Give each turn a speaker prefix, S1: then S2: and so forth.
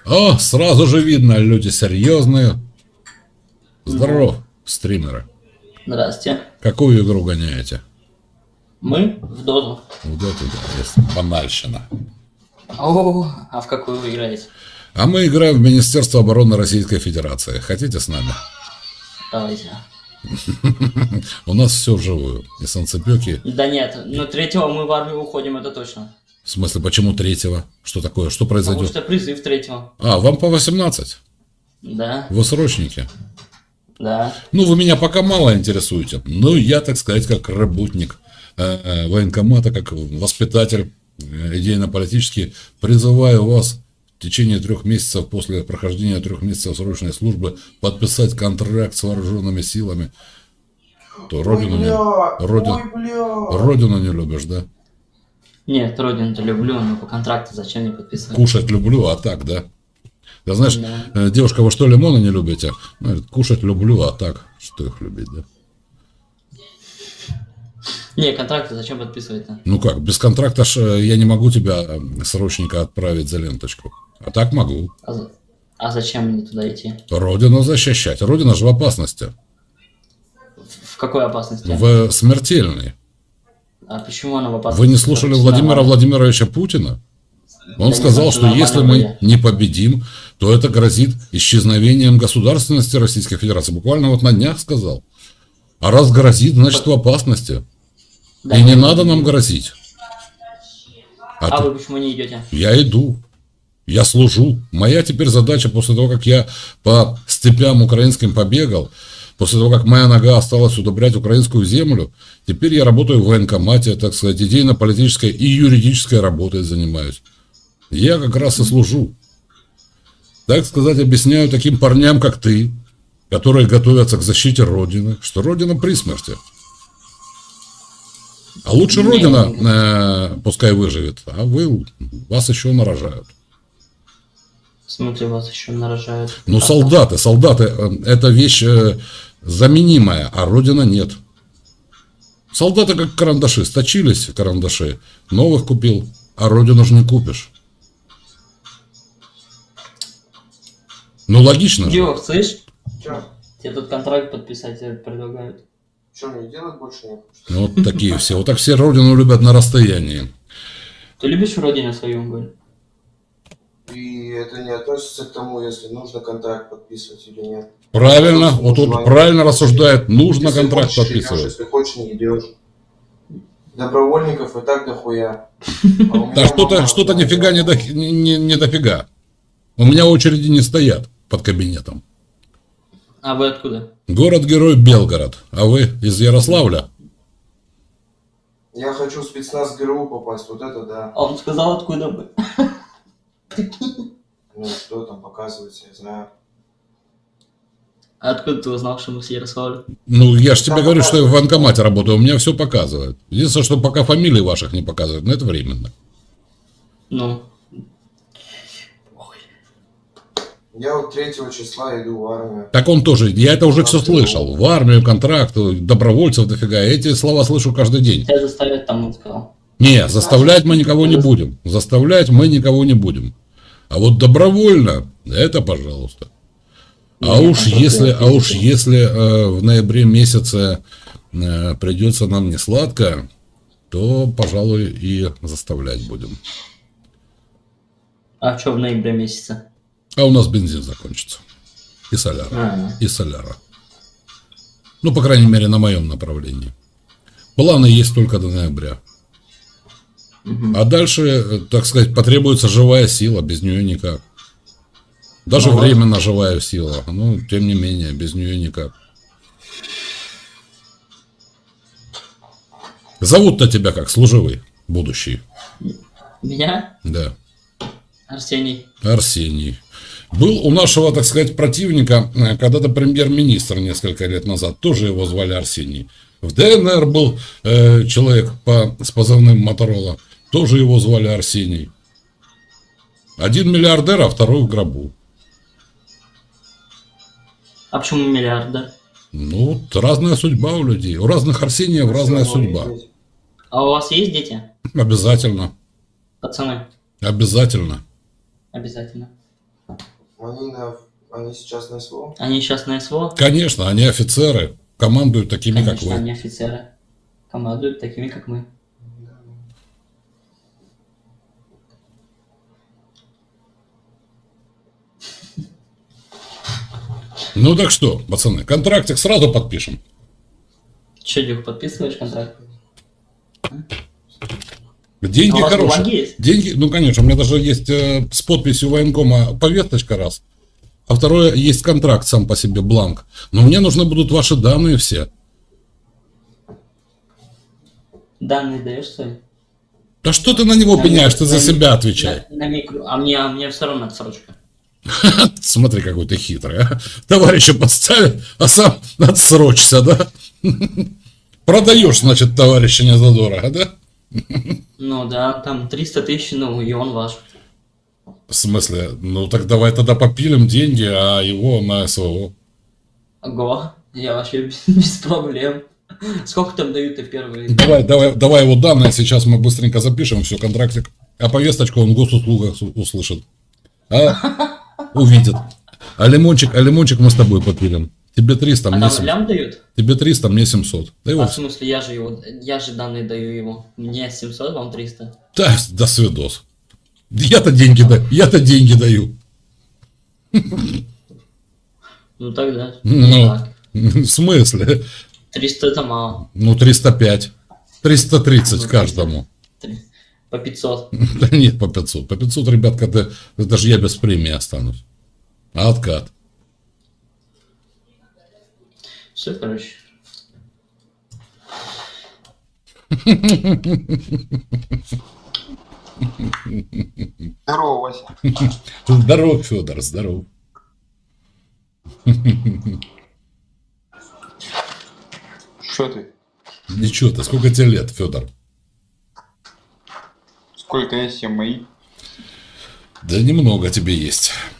S1: О, сразу же видно, люди серьезные. Здоров, стримеры.
S2: Здрасте.
S1: Какую игру гоняете?
S2: Мы в доту.
S1: Вот это да, есть банальщина.
S2: О, а в какую вы играете?
S1: А мы играем в Министерство обороны Российской Федерации. Хотите с нами?
S2: Давайте.
S1: У нас все вживую. И санцепёки.
S2: Да нет, но 3-го мы в армию уходим, это точно.
S1: В смысле, почему 3-го? Что такое? Что
S2: Потому
S1: произойдет?
S2: что призыв 3-го.
S1: А, вам по 18?
S2: Да,
S1: Вы срочники.
S2: да.
S1: Ну, вы меня пока мало интересуете. Ну, я, так сказать, как работник военкомата, как воспитатель идейно-политический, призываю вас в течение 3 месяцев после прохождения 3 месяцев срочной службы подписать контракт с вооруженными силами. То родину не любишь, да?
S2: Нет, родину-то люблю, но по контракту зачем мне подписывать?
S1: Кушать люблю, а так, да? Да знаешь,
S2: Да.
S1: девушка, вы что, лимоны не любите? Ну, говорит, кушать люблю, а так, что их любить, да?
S2: Не, контракты зачем подписывать-то?
S1: Ну как, без контракта я не могу тебя, срочника, отправить за ленточку. А так могу.
S2: А зачем мне туда идти?
S1: Родину защищать. Родина же в опасности.
S2: В какой опасности?
S1: В смертельной.
S2: А почему она в опасности?
S1: Вы не слушали Владимира Владимировича Путина? Он
S2: Да
S1: сказал,
S2: нет,
S1: что если мы не победим, то это грозит исчезновением государственности Российской Федерации. Буквально вот на днях сказал. А раз грозит, значит в опасности.
S2: Да,
S1: И не
S2: нет,
S1: надо нам грозить.
S2: А вы почему не идете?
S1: Я иду. Я служу. Моя теперь задача, после того, как я по степям украинским побегал, после того, как моя нога осталась удобрять украинскую землю, теперь я работаю в военкомате, так сказать, идейно-политической и юридической работой занимаюсь. Я как раз и служу. Так сказать, объясняю таким парням, как ты, которые готовятся к защите Родины, что Родина при смерти. А лучше Родина пускай выживет, а вас еще нарожают.
S2: В смысле, вас еще нарожают?
S1: Ну, солдаты, это вещь заменимая, а Родина нет. Солдаты как карандаши, сточились карандаши, новых купил, а Родину же не купишь. Ну, логично же.
S2: Диох, слышь?
S3: Че?
S2: Тебе тут контракт подписать предлагают.
S3: Что, мне делать больше нет?
S1: Ну, вот такие все. Вот так все Родину любят на расстоянии.
S2: Ты любишь родину свою, Голь?
S3: И это не относится к тому, если нужно контракт подписывать или нет.
S1: Правильно, вот тут правильно рассуждает, нужно
S3: Если
S1: контракт
S3: хочешь,
S1: подписывать.
S3: идешь, если хочешь, не идешь. Добровольников и так дохуя.
S1: Да что-то нифига не дофига. У меня очереди не стоят под кабинетом.
S2: А вы откуда?
S1: Город-герой Белгород. А вы из Ярославля?
S3: Я хочу в спецназ ГРУ попасть, вот это да.
S2: А он сказал, откуда вы?
S3: Ну что там показывается, я знаю.
S2: А откуда ты узнал, что мы с Ярославля?
S1: Ну, я же тебе говорю, что я в военкомате работаю, у меня все показывает. Единственное, что пока фамилии ваших не показывают, но это временно.
S2: Ну.
S3: Я вот 3 числа иду в армию.
S1: Так он тоже, я это уже все слышал. В армию, контракт, добровольцев дофига. Я эти слова слышу каждый день.
S2: Тебя заставят там, он сказал.
S1: Не, заставлять мы никого не будем. Заставлять мы никого не будем. А вот добровольно, это пожалуйста. А уж если в ноябре месяце придется нам не сладко, то, пожалуй, и заставлять будем.
S2: А что в ноябре месяце?
S1: А у нас бензин закончится. И соляра. И соляра. Ну, по крайней мере, на моем направлении. Планы есть только до ноября. А дальше, так сказать, потребуется живая сила, без нее никак. Даже временно живая сила, но тем не менее, без нее никак. Зовут-то тебя как, служивый, будущий?
S2: Меня?
S1: Да.
S2: Арсений.
S1: Арсений. Был у нашего, так сказать, противника когда-то премьер-министр несколько лет назад, тоже его звали Арсений. В ДНР был человек с позывным Моторола, тоже его звали Арсений. Один миллиардер, а второй в гробу.
S2: А почему миллиардер?
S1: Ну, разная судьба у людей. У разных Арсениев разная судьба.
S2: А у вас есть дети?
S1: Обязательно.
S2: Пацаны?
S1: Обязательно.
S2: Обязательно.
S3: Они сейчас на СВО?
S2: Они сейчас на СВО?
S1: Конечно, они офицеры, командуют такими, как
S2: Конечно,
S1: вы.
S2: они офицеры. Командуют такими, как мы.
S1: Ну так что, пацаны, контрактик сразу подпишем.
S2: Че, Дюх, подписываешь контракт?
S1: Деньги
S2: А у вас
S1: хорошие.
S2: бумаги есть?
S1: Деньги, ну конечно, у меня даже есть с подписью военкома повесточка раз. А второе, есть контракт сам по себе, бланк. Но мне нужны будут ваши данные все.
S2: Данные даешь свои?
S1: Да что ты на него
S2: На
S1: пеняешь,
S2: микро-
S1: ты за
S2: на ми-
S1: себя отвечай.
S2: На микро. А мне все равно отсрочка.
S1: Смотри, какой ты хитрый, а. Товарища подставили, а сам отсрочься, да? Продаешь, значит, товарища не задорого, да?
S2: Ну да, там 300 тысяч, ну и он ваш.
S1: В смысле? Ну так давай тогда попилим деньги, а его на СВО.
S2: Ого, я вообще без проблем. Сколько там дают и первые?
S1: Давай его данные, сейчас мы быстренько запишем, все, контрактик. А повесточку он в госуслугах услышит. А увидит. А лимончик мы с тобой попилим. Тебе 300,
S2: А
S1: мне
S2: там
S1: 700.
S2: лям дают?
S1: Тебе 300, мне 700. Да,
S2: А
S1: его...
S2: в смысле, я же данные даю ему. Мне 700, вам 300.
S1: Да, до свидос. Я-то деньги даю.
S2: Ну тогда.
S1: Ну,
S2: Так.
S1: в смысле?
S2: 300 это мало.
S1: Ну, 305. 330
S2: Ну,
S1: каждому.
S2: По 500.
S1: Да нет, по 500. По 500, ребят, когда даже я без премии останусь. А откат?
S2: Все, короче.
S3: Здорово, Вася.
S1: Здоров, Федор, здоров.
S3: Что ты?
S1: Ничего ты, сколько тебе лет, Федор?
S3: Сколько есть мои?
S1: Да немного тебе есть.